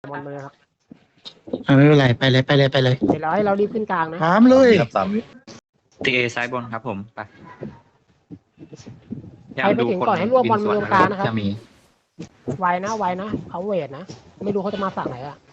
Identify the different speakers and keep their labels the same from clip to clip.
Speaker 1: มอนมาเลยครับ
Speaker 2: ไม่เป็นไรไปเลยไปเลยไปเลย
Speaker 1: เดี๋ยวเราให้เรารีบขึ้นกลางนะ
Speaker 2: พร้อมเลย
Speaker 3: ครับ3 วิ
Speaker 4: ตีเอซ้ายบนครับผมไป
Speaker 1: ใครไปถึงก่อนให้รวบมอนมาตรงกลางนะครับ
Speaker 4: จะมี
Speaker 1: ไวนะเขาเวทนะ ไม่รู้เขาจะมาฝั่งไหนอ่ะ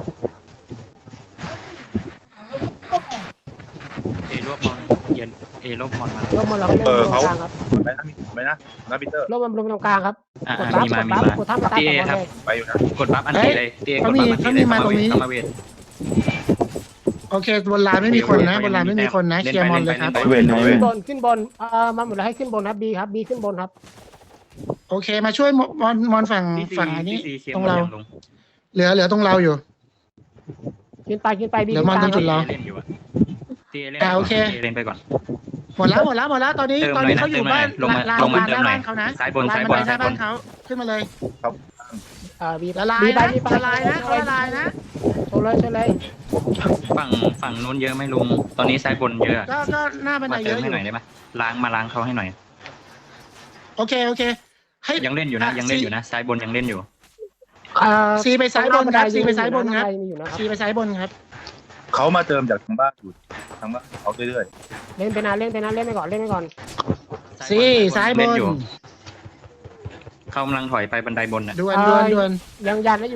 Speaker 4: เอรวบมอนเย็นเอรวบมอนมาร
Speaker 1: วบมอนเราก็เล่นตรงกลางครับ
Speaker 3: ไปนะปีเตอร์
Speaker 1: รวบมอนลงตรงกลางครับ
Speaker 4: อ่าก
Speaker 1: ดบัฟ
Speaker 4: มี
Speaker 1: ก
Speaker 4: มา
Speaker 1: ด
Speaker 4: มี
Speaker 1: บัฟ
Speaker 4: มาก
Speaker 1: ดท่ามาใต้
Speaker 4: ตี
Speaker 1: ก่
Speaker 4: เอ
Speaker 1: อน
Speaker 4: ครับ
Speaker 1: เลย
Speaker 3: ไปอยู่นะ
Speaker 4: กดบัฟอันตีเลยตีเอกดบัฟอันตีเลยเข้ามาเวท
Speaker 2: โอเคบนลานไม่มีคนนะบนลานไม่มีคนนะเคลียร์มอนเลยครับ
Speaker 3: เวนเว
Speaker 1: ขึ้
Speaker 3: น
Speaker 1: นบนมาหมดแล้วให้ขึ้นบนครับบีครับบีขึ้นบนครับ
Speaker 2: โอเคมาช่วยมอนฝั่งอันนี้ตรงเราเหลือตรงเราอยู่
Speaker 1: ขึ้นไปบี
Speaker 2: เดี๋ยวมอนตรงจุดเรา
Speaker 4: เล่นอยู่อะตีเล่น
Speaker 2: โอเค
Speaker 4: เล่นไปก่อน
Speaker 2: หมดแล้วตอนนี้เขาอยู่บ้านลานหน้าบ้านเขานะ
Speaker 4: ซ้ายบน
Speaker 2: ลาน
Speaker 4: ซ้าย
Speaker 2: บัน
Speaker 4: บ
Speaker 2: ได
Speaker 4: น
Speaker 2: หน้าบ้านเขาขึ้นมาเลย
Speaker 1: บี
Speaker 2: ละลาย
Speaker 1: บีไป
Speaker 2: นะ
Speaker 1: บีไป
Speaker 2: ละลายนะเขาละลายนะ
Speaker 1: โชว์เลย
Speaker 4: ฝั่งนู้นเยอะไหม่ลุงตอนนี้ซ้ายบนเยอะ
Speaker 2: ก็หน้าบันได
Speaker 4: มา
Speaker 2: เย
Speaker 4: เติม
Speaker 2: อะอ
Speaker 4: ให้
Speaker 2: ยู่
Speaker 4: หน่อยได้ไหมล้างเขาให้หน่อย
Speaker 2: โอเคให้
Speaker 4: ยังเล่นอยู่นะซ้ายบนยังเล่นอยู่
Speaker 2: ซีไปซ้ายบนครับซีไปซ้ายบนครับ
Speaker 1: มีอยู่นะครับ
Speaker 2: ซีไปซ้ายบนครับ
Speaker 3: เขามาเติมจากทางบ้านอยู่ทางบ้านเขาเรื่อย
Speaker 1: เล่นไปก่อน
Speaker 2: ซีซ้ายบ
Speaker 4: เล่
Speaker 2: น
Speaker 4: นอยู่เขากำลังถอยไปบันไดบนน่ะ
Speaker 2: ด่วน
Speaker 1: ยังยันได้อยู่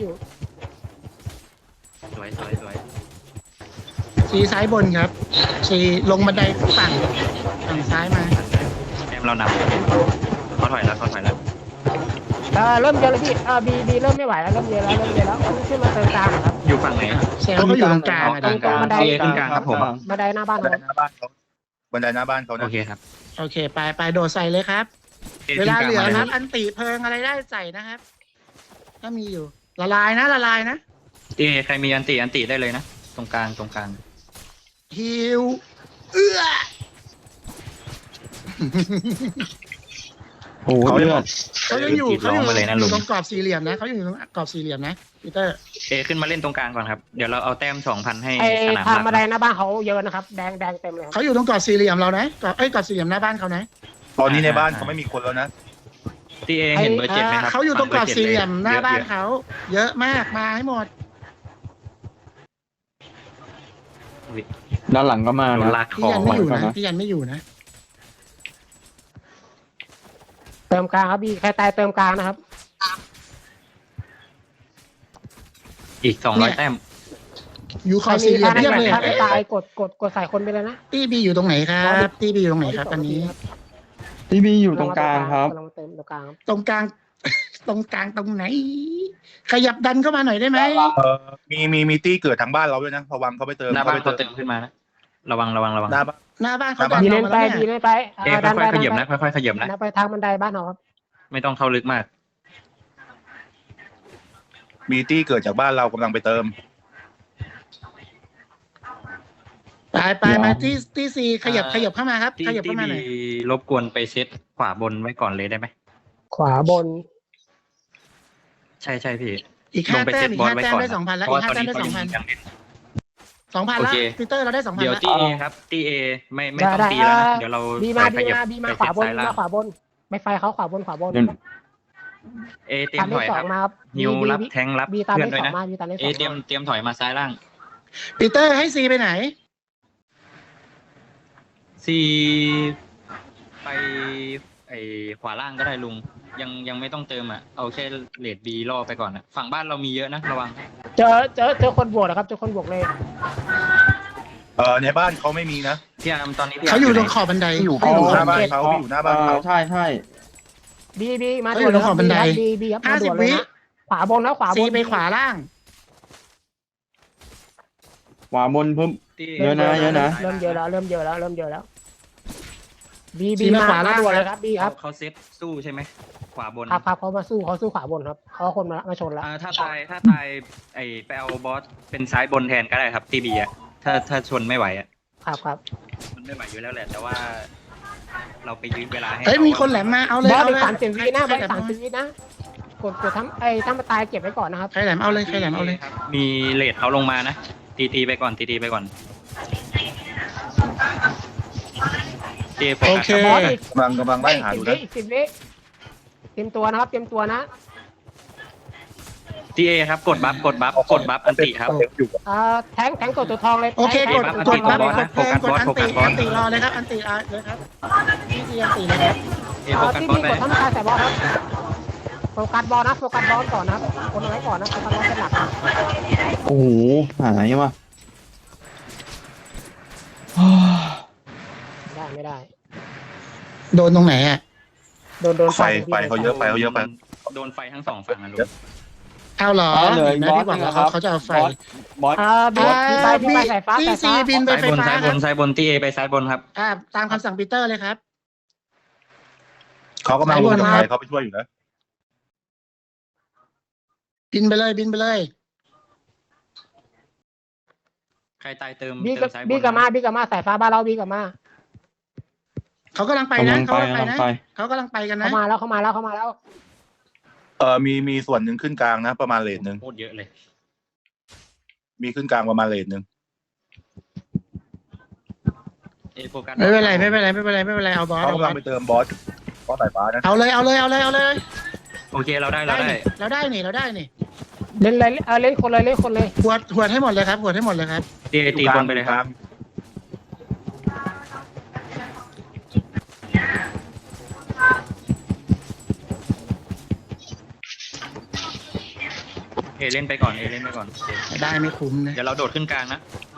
Speaker 4: สวย
Speaker 2: ซีซ้ายบนครับซีลงบันไดฝั่งซ้ายมา
Speaker 4: แอมเรานำเขาถอยแล้ว
Speaker 1: เริ่มเยอะเลยพี่บีเริ่มไม่ไหวแล้วเริ่มเยอะแล้วขึ้นมาเติมกลางครับ
Speaker 4: อยู่ฝั่งไหน
Speaker 2: เซลก็อยู่ตรงกลาง
Speaker 1: ตรงบันได
Speaker 4: ขึ้นกลางครับผม
Speaker 1: บันไดหน้าบ้าน
Speaker 3: ๆบันไดหน้าบ้านเขาบันไดหน้าบ้านเขา
Speaker 4: โอ
Speaker 3: นะ
Speaker 4: เคครับ
Speaker 2: โอเคไปโดดใส่เลยครับ เวลาเหลือครับ อันติเพลิงอะไรได้ใส่นะครับถ้ามีอยู่ละลายนะ
Speaker 4: ตีใครมีอันติได้เลยนะตรงกลาง
Speaker 2: ฮิวเอื้อ
Speaker 5: โอ้โหเลือด
Speaker 2: เขายังอยู่
Speaker 4: ร้องมาเลยนะลุง
Speaker 2: ตรงกรอบสี่เหลี่ยมนะเขาอยู่ตรงกรอบสี่เหลี่ยมนะพีเตอร์
Speaker 4: ขึ้นมาเล่นตรงกลางก่อนครับเดี๋ยวเราเอาแต้ม 2,000 ให้
Speaker 1: ไอ้
Speaker 4: สนาม
Speaker 1: ทาง
Speaker 4: หลัก
Speaker 1: บันไดหน้าบ้านเขาเยอะนะครับแดงเต็มเลยครับ
Speaker 2: เขาอยู่ตรงกรอบสี่เหลี่ยมเรานะกรอบสี่เหลี่ยมหน้าบ้านเขานะ
Speaker 3: ตอนนี้ในบ้านเขาไม่มีคนแล้วนะ
Speaker 4: ตีเห็นเบอร์ 7ไหมครับ
Speaker 2: เขาอยู่ตรงกรอบสี่เหลี่ยมหน้าบ้านเขาเยอะมากมาให้หมด
Speaker 5: ด้านหลังก็มา
Speaker 4: โดน
Speaker 5: นะ
Speaker 4: ลากค
Speaker 2: พี่
Speaker 4: อ
Speaker 2: ยันไม่อยู่นะพี่ยันไม่อยู่นะ
Speaker 1: เติมกลางครับบีใครตายเติมกลางนะครับ
Speaker 4: อีก200 แต้ม
Speaker 2: อยู่ขอบสี่เหลี่ยมเรียบเลย
Speaker 1: ถ้าไม่ตายกดใส่คนไปเลยนะ
Speaker 2: ตี้บีอยู่ตรงไหนครับตี้บีอยู่ตรงไหนครับอันนี้
Speaker 5: พี่บีอยู่ตรงกลางครับ
Speaker 1: ลองเติมตรงกลาง
Speaker 2: ตรงกลาง ตรงกลางตรงไหน ขยับดันเข้ามาหน่อยได้ไหม
Speaker 3: มีตี้เกิดทางบ้านเราด้วยนะระวังเขาไปเติม
Speaker 4: หน้าบ้านเขาเติมขึ้นมานะระวัง
Speaker 3: หน้าบ้าน
Speaker 2: หน้าบ้านเขาดัน
Speaker 1: บี
Speaker 2: อ
Speaker 1: เล่
Speaker 2: อก
Speaker 1: น
Speaker 2: มา
Speaker 1: ไป
Speaker 2: แล้ว
Speaker 1: บี
Speaker 2: เนี่ย
Speaker 1: เล่นไป
Speaker 4: ค่อยๆขยับนะค่อยๆขยับนะ
Speaker 1: ไปทางบันไดบ้านเราครับ
Speaker 4: ไม่ต้องเข้าลึกมาก
Speaker 3: มีตี้เกิดจากบ้านเรากำลังไปเติม
Speaker 2: ไปมาที่ซีขยับเข้ามาครับ ขยับเข้ามาหน่อย
Speaker 4: รบกวนไปเซตขวาบนไว้ก่อนเลยได้ไหม
Speaker 1: ขวาบน
Speaker 4: ใช่พี่
Speaker 2: อีกห้าแต้มได้ 2,000 แล้ว
Speaker 4: เพราะ
Speaker 2: อี
Speaker 4: ว่าก ต
Speaker 2: ห้า
Speaker 4: อน
Speaker 2: แต้ม
Speaker 4: นี้
Speaker 2: ได้
Speaker 4: เขายังเล่น
Speaker 2: 2,000 แล้วพีเตอร์เราได้ 2,000
Speaker 4: เดี๋ยว
Speaker 2: แล้ว
Speaker 4: ตีเอครับตีเอไม่ต้องตีแล้วนะเดี๋ยวเรา
Speaker 1: บีมาขวาบนไม่ไฟเขาขวาบน
Speaker 4: เอเตรียมถอยครับ
Speaker 1: มาครับ
Speaker 4: ฮิวรับแทงรับ
Speaker 1: บีตาม
Speaker 4: เพื่อน
Speaker 1: ได้
Speaker 4: ด้วย
Speaker 1: สอง
Speaker 4: นะ
Speaker 1: มาบีตามได้ส
Speaker 4: เอ
Speaker 1: อง
Speaker 4: เตรียมถอยมาซ้ายล่าง
Speaker 2: ปีเตอร์ให้ซีไปไหน
Speaker 4: ซีไปไอขวาล่างก็ได้ลุงยังไม่ต้องเติมอ่ะเอาแค่เลดบีล่อไปก่อนนะฝั่งบ้านเรามีเยอะนะระวัง
Speaker 1: เจอคนบวกนะครับเจอคนบวกเลย
Speaker 3: ในบ้านเขาไม่มีนะ
Speaker 4: พี่อาร์มตอนนี้พี่
Speaker 2: เขาอยู่ตรงขอบบันได
Speaker 3: อยู่หน้าบ้านเขาอยู่หน้าบ้านเขา
Speaker 5: ใช่
Speaker 1: บีมา
Speaker 2: เขาอยู่ตรงขอบบันได
Speaker 1: บีครับมาด่วนเลยนะขวาบนแล้วขวาบ
Speaker 2: ซี
Speaker 1: น
Speaker 2: ไปขวาล่าง
Speaker 5: ขวาบนเพิ่ม
Speaker 4: ตี
Speaker 5: เยอะนะ
Speaker 1: เริ่มเยอะแล้วบีมาด่วนเลยครับบีครับ
Speaker 4: เขาเซตสู้ใช่ไหมขวาบน
Speaker 1: ครับเขามาสู้ขวาบนครับเขาคนมาชนแล้ว
Speaker 4: ถ้าตายไอไปเอาบอสเป็นซ้ายบนแทนก็ได้ครับตีบีอ่ะถ้าชนไม่ไหวอ่ะ
Speaker 1: ครับ
Speaker 4: มันไม่ไหวอยู่แล้วแหละแต่ว่า เราไปยื้อเวลาให้
Speaker 2: เฮ้ยมีคนแหลมมาเอาเลย
Speaker 1: บอส
Speaker 2: เอา
Speaker 1: เป็น
Speaker 2: เลย
Speaker 1: 30 วินะบอส30 วินะกดทั้งตั้งมาตายเก็บไว้ก่อนนะครับ
Speaker 2: ใครแหลมเอาเลย
Speaker 4: มีเลดเขาลงมานะตีไปก่อนตีไปก่อนเจโฟ
Speaker 2: โอ
Speaker 4: กัส
Speaker 2: เค
Speaker 1: บอสอีก
Speaker 3: กำลังไล่หาอยู่นะ
Speaker 1: 10 วิเตรียมตัวนะครับเตรียมตัวนะ
Speaker 4: ทีเอครับกดบัฟอันติครับ
Speaker 3: อยู่
Speaker 1: แทงตัวทองเลย
Speaker 2: โอเคกด
Speaker 4: อัน
Speaker 2: ก
Speaker 4: ติ
Speaker 2: ดบัฟ
Speaker 4: บอส
Speaker 2: ก
Speaker 4: นะ
Speaker 2: ดเพลงกดอัน
Speaker 4: โฟกั
Speaker 2: ติ
Speaker 4: สบอส
Speaker 2: อันติรอเลยครับอันติเลยครับพี่เจียอันติเลยครับ
Speaker 4: เอโฟกัส
Speaker 1: ที่
Speaker 4: บอส
Speaker 1: มี
Speaker 4: ไป
Speaker 1: กดทำการใส่บอลครับโฟกัสบอลนะโฟกัสบอลก่อนนะครับคนเอาไว้ก่อนนะโฟกัสบอลเป็นหลัก
Speaker 5: โอ้โหหายว่ะ
Speaker 1: ไม่ได้
Speaker 2: โดนตรงไหนอ่ะ
Speaker 1: โดน
Speaker 3: ไฟเขาเยอะไป
Speaker 4: โดนไฟทั้งสองฝั่งอะลุง
Speaker 2: เอาเหรอ
Speaker 5: เหลืออีก
Speaker 2: นะ
Speaker 5: บอส
Speaker 2: ที่บอก
Speaker 5: นึง
Speaker 2: ว่า
Speaker 5: ครับ
Speaker 2: เขาจะเอาไฟ
Speaker 5: บอส
Speaker 1: บีไปสายฟ้า
Speaker 2: ที่ซีบินไปไฟฟ้าครับ
Speaker 4: ซ้ายบนทีเอไปซ้ายบนครับ
Speaker 2: ตามคำสั่งปีเตอร์เลยครับ
Speaker 3: เขาก็มาลงไฟเขาไปช่วยอยู่นะ
Speaker 2: บินไปเลยบินไปเลย
Speaker 4: ใครตายเติม
Speaker 1: บี
Speaker 4: เติมซ้ายบน
Speaker 1: กับมาสายฟ้าบ้านเราบีกับมา
Speaker 2: เขากำลังไปนะ
Speaker 5: กำลัง
Speaker 2: เขา
Speaker 5: ไป
Speaker 2: กำลังไปนะ
Speaker 5: กำลังไป
Speaker 2: เขากำลังไปกันนะ
Speaker 1: เข้ามาแล้ว
Speaker 3: มีส่วนหนึ่งขึ้นกลางนะ ประมาณเลทหนึ่ง
Speaker 4: โคตรเยอะเลย
Speaker 3: มีขึ้นกลางประมาณเลทหนึ่ง
Speaker 4: เอโฟกัส
Speaker 2: ไม่เป็นไรเอาบอส
Speaker 3: เขา
Speaker 2: เอาบ
Speaker 3: กำ
Speaker 2: อ
Speaker 3: ลั
Speaker 2: ส
Speaker 3: งไปเติมบอสสายฟ้านะ
Speaker 2: เอาเลย
Speaker 4: โอเคเราได้
Speaker 2: นี่เราได้นี่
Speaker 1: เล่นเลยเล่นคนเลย
Speaker 2: หวดให้หมดเลยครับ
Speaker 4: ทีเอตีคนไปเลยครับเอเล่นไปก่อน
Speaker 2: ได้ไม่คุ้มนะ
Speaker 4: เดี๋ยวเราโดดขึ้นกลางนะ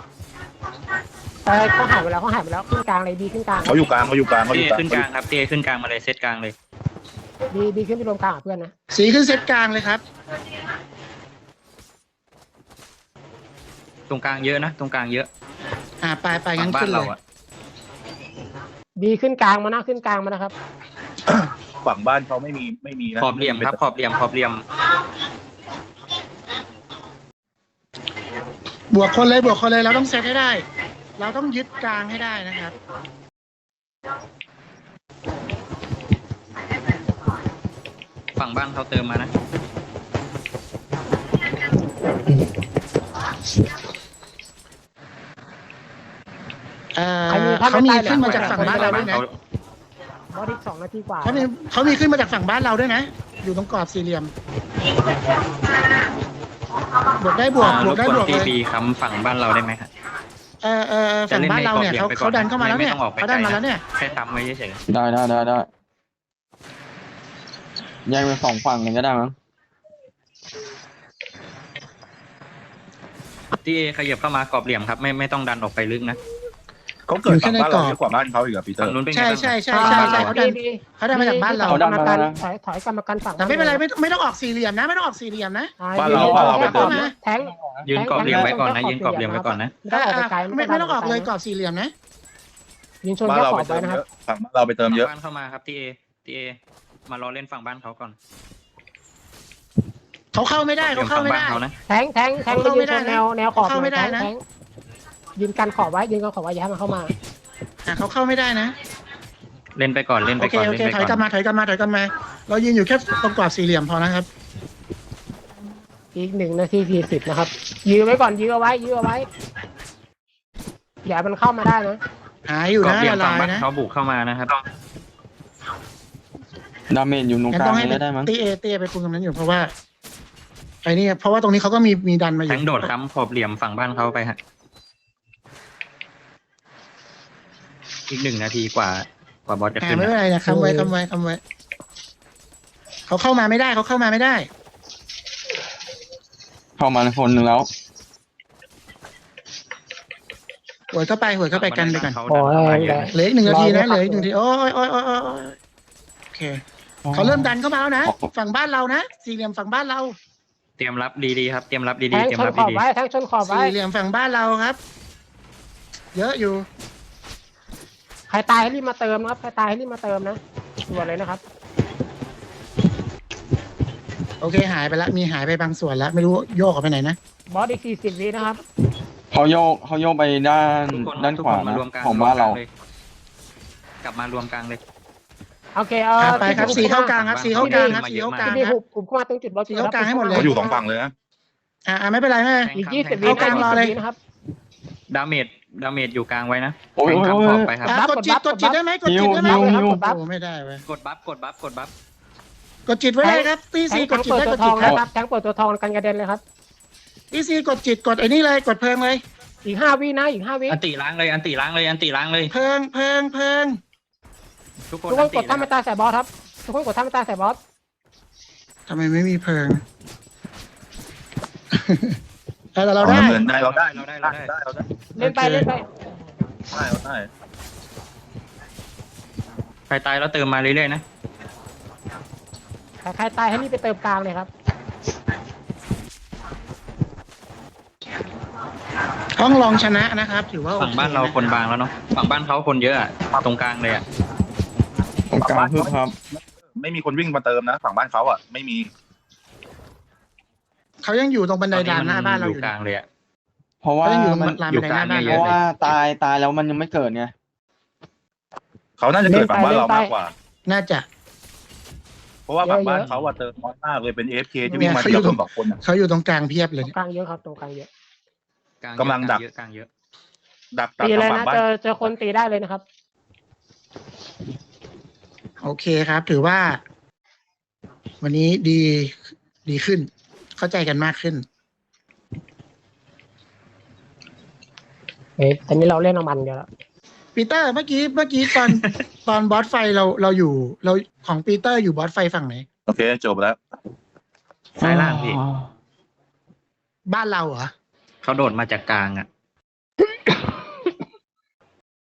Speaker 1: เขาหายไปแล้วขึ้นกลางเลยบีขึ้นกลาง
Speaker 3: เขาอยู่กลาง
Speaker 4: ทีเอขึ้นกลางครับทีเอขึ้นกลางมาเลยเซตกลางเลย
Speaker 1: บีขึ้นไปรวมกลางกับเพื่อนนะ
Speaker 2: สีขึ้นเซตกลางเลยครับ
Speaker 4: ตรงกลางเยอะนะตรงกลางเยอะ
Speaker 2: ไปงั้
Speaker 4: ฝั่
Speaker 2: น
Speaker 4: งบ้า
Speaker 2: ขึ้
Speaker 4: น
Speaker 2: นเล
Speaker 4: เรา
Speaker 2: ย
Speaker 4: อะ
Speaker 1: บีขึ้นกลางมานะขึ้นกลางมานะครับ
Speaker 3: ฝั่งบ้านเขาไม่มีนะ
Speaker 4: ขอบเหลี่ยมครับขอบเหลี่ยม
Speaker 2: บวกคนเลยเราต้องเซตให้ได้ เราต้องยึดกลางให้ได้นะครับ
Speaker 4: ฝั่งบ้านเขาเติมมานะ
Speaker 2: เขามีขึ้นมาจากฝั่งบ้านเราด้วยนะ
Speaker 1: บอสอีก2 นาทีกว่า
Speaker 2: เขามีขึ้นมาจากฝั่งบ้านเราด้วยนะ อยู่ตรงกรอบสี่เหลี่ยม บวกได้บวก
Speaker 4: รบกวน
Speaker 2: เล
Speaker 4: ที
Speaker 2: ย
Speaker 4: บีค้ำฝั่งบ้านเราได้ไหมครับ
Speaker 2: ฝั่งบ้านเราเนี่ยเขาดันเข้ามาแล้วเนี่ย
Speaker 4: ไม่ต้องออกไป
Speaker 2: เขาดันมาแล้วเนี่ย
Speaker 4: แค่ทำไว้เฉย
Speaker 5: ได้แยกเป็นสองฝั่งกันก็ได้มั้ง
Speaker 4: ๆทีเอขยับเข้ามากรอบเหลี่ยมครับไม่ต้องดันออกไปลึกนะ
Speaker 3: เขาเกิดฝั่งบ้านเราเยอะกว่าบ้านเขาอีกอะปีเตอ
Speaker 4: ฝั่ง
Speaker 3: ร์
Speaker 4: นู้นเป็นไง
Speaker 2: ใช่
Speaker 4: บ้าง
Speaker 2: ใช่
Speaker 4: บ้านเรา
Speaker 2: เขาดันมาจากบ้านเรา
Speaker 1: ถอยกรรมการฝั่ง
Speaker 2: แต่ไม่เป็นไรไม่ต้องออกสี่เหลี่ยมนะ แทง
Speaker 4: ยืนกรอบเหลี่ยมไว้ก่อนนะยืนกรอบเหลี่ยมไว้ก่อนนะ
Speaker 1: ไม่ต้องออกไปไกล
Speaker 2: ไม่ต้องออกเลยกรอบสี่เหลี่ยมนะ
Speaker 1: ยิงชน
Speaker 3: บ้าน
Speaker 1: แค่
Speaker 3: เรา
Speaker 1: ขอ
Speaker 3: ไป
Speaker 1: บ
Speaker 3: เติ
Speaker 1: ไว้
Speaker 3: ม
Speaker 1: นะค
Speaker 3: เย
Speaker 1: รับ
Speaker 3: อะฝั่งบ้านเราไปเติมเยอะ
Speaker 4: บ้านเข้ามาครับทีเอมารอเล่นฝั่งบ้านเขาก่อน
Speaker 2: เขาเข้าไม่ได้
Speaker 4: ฝั่งบ้านเขานะ
Speaker 1: แทงยืนชนแนวขอบแทงยืนกันขอบไว้ย้ายมันเข้ามา
Speaker 2: เขาเข้าไม่ได้นะ
Speaker 4: เล่นไปก่อน
Speaker 2: โอเคถอยกลับมาเรายืนอยู่แค่ตรงกรอบสี่เหลี่ยมพอนะครับ
Speaker 1: อีก1 นาที 40นะครับยื้อไว้ก่อนยื้อเอาไว้อย่ามันเข้ามาได้นะ
Speaker 2: หายอยู่
Speaker 4: กรอบ
Speaker 2: นะ
Speaker 4: เหลี่ยม
Speaker 2: ละ
Speaker 4: ฝั่ง
Speaker 2: ลาย
Speaker 4: บ้าน
Speaker 2: นะ
Speaker 4: เขาบุกเข้ามานะครับ
Speaker 5: ดาเมจอยู่ตรง
Speaker 2: งั้น
Speaker 5: กลา
Speaker 2: ต้อง งให้
Speaker 5: นี้ก็ได้มั้ง
Speaker 2: เต้ไปคุมตรงนั้นอยู่เพราะว่าเพราะว่าตรงนี้เขาก็มีดันมาอ
Speaker 4: แท
Speaker 2: ยู่
Speaker 4: งโดดค้ำขอบเหลี่ยมฝั่งบ้านเขาไปฮะอีก1 นาทีกว่าบอสจะขึ้น
Speaker 2: ไม่เป็นไรนะคำไว้เขาเข้ามาไม่ได้
Speaker 5: เข้ามาคนหนึ่งแล้ว
Speaker 2: หวยเข้าไปกันไปก่อน
Speaker 4: เขาดันเข้ามาเยอะ
Speaker 2: เหลืออีก1 นาทีนะเหลืออีก1 นาทีโอ้ยโอเคเขาเริ่มดันเข้ามาแล้วนะฝั่งบ้านเรานะสี่เหลี่ยมฝั่งบ้านเรา
Speaker 4: เตรียมรับดีๆครับเตรียมรับดี
Speaker 1: แท
Speaker 4: ๆ
Speaker 1: ง
Speaker 4: เตรียม
Speaker 1: ชน
Speaker 4: รับ
Speaker 1: ขอบ
Speaker 4: ดี
Speaker 1: ไว้แทงชนขอบไว้
Speaker 2: สี่เหลี่ยมฝั่งบ้านเราครับ เยอะอยู่
Speaker 1: ใครตายให้รีบมาเติมนะครับด่วนเลยนะครับ
Speaker 2: โอเคหายไปแล้วมีหายไปบางส่วนแล้วไม่รู้โยกออกไปไหนนะ
Speaker 1: บอสอีก40 วินะครับ
Speaker 5: เขาโยกไปด้าน
Speaker 4: ทุกคน
Speaker 5: ด้าน
Speaker 4: ทุก
Speaker 5: ขวา
Speaker 4: คนมา
Speaker 5: นะ
Speaker 4: รวมกลาง
Speaker 5: ของบ้านเรา
Speaker 4: กลับมารวมกลางเลย
Speaker 1: โอเค
Speaker 2: ไปครับสีเข้ากลางครับสีเข้ากลางครับสีเข้ากลาง
Speaker 1: ที่
Speaker 2: ครับ
Speaker 1: หุบเข้ามาตรงจุดบอส
Speaker 2: สีเข้ากลางให้หมดเลย
Speaker 3: เขาอยู่2ฝั่งเลยนะ
Speaker 2: ไม่เป็นไร
Speaker 1: อีก20 วิ
Speaker 2: เข้ากลางรอเลย
Speaker 1: นะครับ
Speaker 4: ดาเมจอยู่กลางไว้นะ
Speaker 5: โอ้ย
Speaker 4: แทงข้ามขอบไปครับ
Speaker 2: กดจิตได้ไหม
Speaker 5: ฮิว
Speaker 2: โอ้ไม่ได้เว้ย
Speaker 4: กดบัฟ
Speaker 2: กดจิตไว้เลยครับตี
Speaker 1: แท
Speaker 2: ซี
Speaker 1: ง
Speaker 2: กดจิต
Speaker 1: เปิด
Speaker 2: ได้
Speaker 1: ตั
Speaker 2: ก
Speaker 1: ว
Speaker 2: ด
Speaker 1: ท
Speaker 2: จิ
Speaker 1: อ
Speaker 2: ต
Speaker 1: ง
Speaker 2: ครับ
Speaker 1: นะครับแทงเปิดตัวทองกันกระเด็นเลยครับ
Speaker 2: ตีซีกดจิตกดไอ้นี่เลยกดเพลิงเลย
Speaker 1: อีก5 วินะอีก5 วิ
Speaker 4: อันติล้างเลยอันติล้างเลยอันติล้างเลย
Speaker 2: เพลิง
Speaker 4: ทุกคน
Speaker 1: ทุกค
Speaker 4: อั
Speaker 1: น
Speaker 4: น
Speaker 1: ก
Speaker 4: ติ
Speaker 1: ดท่ามาตาใส่บอสครับทุกคนกดท่ามาตาใส่บอส
Speaker 2: ทำไมไม่มีเพลิง แต่เรา
Speaker 3: เอา
Speaker 2: ได้
Speaker 3: น้ำเงินได้เราได้
Speaker 4: เราได้
Speaker 3: เราได้
Speaker 1: เล่นไปเล่นไป
Speaker 3: ได้เราได้
Speaker 4: ใครตายแล้วเติมมาเรื่อยๆนะ
Speaker 1: ใครตายให้นี่ไปเติมกลางเลยครับ
Speaker 2: ต้องลองชนะนะครับ ถือว่าโอ
Speaker 4: ฝั่ง
Speaker 2: เค
Speaker 4: บ้านเราคนบางแล้วเนาะฝั่งบ้านเขาคนเยอะอะตรงกลางเลยอะ
Speaker 5: ตรงกลางคือครับ
Speaker 3: ไม่มีคนวิ่งมาเติมนะฝั่งบ้านเขาอ่ะไม่มี
Speaker 2: เขายังอยู่ตรงบันไดดานหน้าบ้านเรา
Speaker 4: อ
Speaker 2: อยู่ ยู่
Speaker 4: กลางเลยอะ
Speaker 5: เพราะว่า
Speaker 2: เขายังอยู่ตรง
Speaker 5: มัน
Speaker 2: ลานบันไดหน้าบ้าน
Speaker 4: อยู่
Speaker 5: เพ
Speaker 4: กลาง
Speaker 5: ราะว่าตายแล้วมันยังไม่เกิดไง
Speaker 3: เขาน่าจะเกิดฝั่งบ้านเรามากกว่า
Speaker 2: น่าจะ
Speaker 3: เพราะว่าฝั่งบ้านเขาอะเติมน้อยมากเลยเป็น AFK ที่วิ่งมาทีละคนสองคนอะ
Speaker 2: เขาอยู่ตรงกลางเพียบเล
Speaker 1: ต
Speaker 2: ย
Speaker 1: รง
Speaker 2: เนี่ย
Speaker 1: กลางเยอะครับตรงกลางเยอะ
Speaker 3: กำลังดัก
Speaker 4: กลางเยอะ
Speaker 3: ดัก
Speaker 1: ตีเลย
Speaker 3: ฝั่
Speaker 1: นะ
Speaker 3: งบ้าน
Speaker 1: เจอคนตีได้เลยนะครับ
Speaker 2: โอเคครับ ถือว่า วันนี้ดีขึ้น เข้าใจกันมากขึ้น
Speaker 1: ตอนนี้เราเล่นน้ำมันเดียวแล้ว
Speaker 2: ปีเตอร์เมื่อกี้ตอนบอสไฟเราอยู่เราของปีเตอร์อยู่บอสไฟฝั่งไหน
Speaker 3: โอเคจบแล้ว
Speaker 4: ซ้ายล่างพี่
Speaker 2: บ้านเราเหรอ
Speaker 4: เขาโดดมาจากกลางอะ